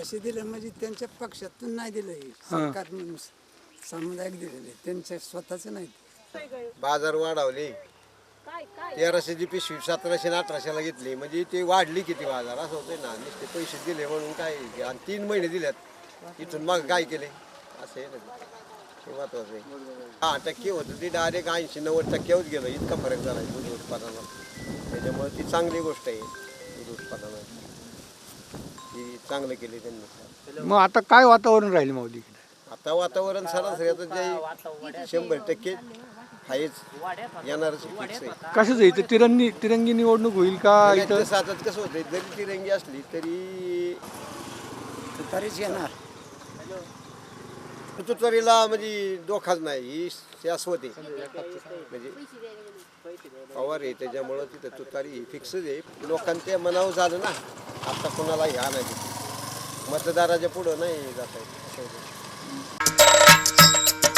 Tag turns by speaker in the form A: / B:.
A: 1500 दिलं म्हणजे त्यांच्या पक्षातून नाही दिलं हे सरकार म्हणून सामुदायिक दिलेले त्यांच्या स्वतःच नाही.
B: बाजार वाढवले 1300ची पिशवी 1700 आणि 1800ला घेतली म्हणजे ते वाढली किती बाजार असं होतंय ना. नुसते पैसे दिले म्हणून काय आणि 3 महिने दिल्यात इथून मग काय केले असं आहे ना. हे महत्वाचं आहे. 10% होतं ते डायरेक्ट 80-90% गेलं. इतका फरक झाला आहे दूध उत्पादनात. त्याच्यामुळे ती चांगली गोष्ट आहे दूध उत्पादनात. ती चांगलं केले त्यांनी.
C: मग आता काय वातावरण राहील माऊली?
B: आता वातावरण सरासरी आता जे 100% आहेच येणारच फिक्स आहे.
C: कसं इथं तिरंगी निवडणूक होईल का? इथं
B: सातात कसं होतं जरी तिरंगी असली तरी
A: तुतारीच येणार.
B: तुतारीला म्हणजे दोखाच नाही ही शाश्वत आहे. म्हणजे पवार आहे त्याच्यामुळं तिथं तुतारी फिक्सच आहे. लोकांच्या मनावर झालं ना आता कोणाला ह्या नाही मतदाराच्या पुढं नाही जात आहे.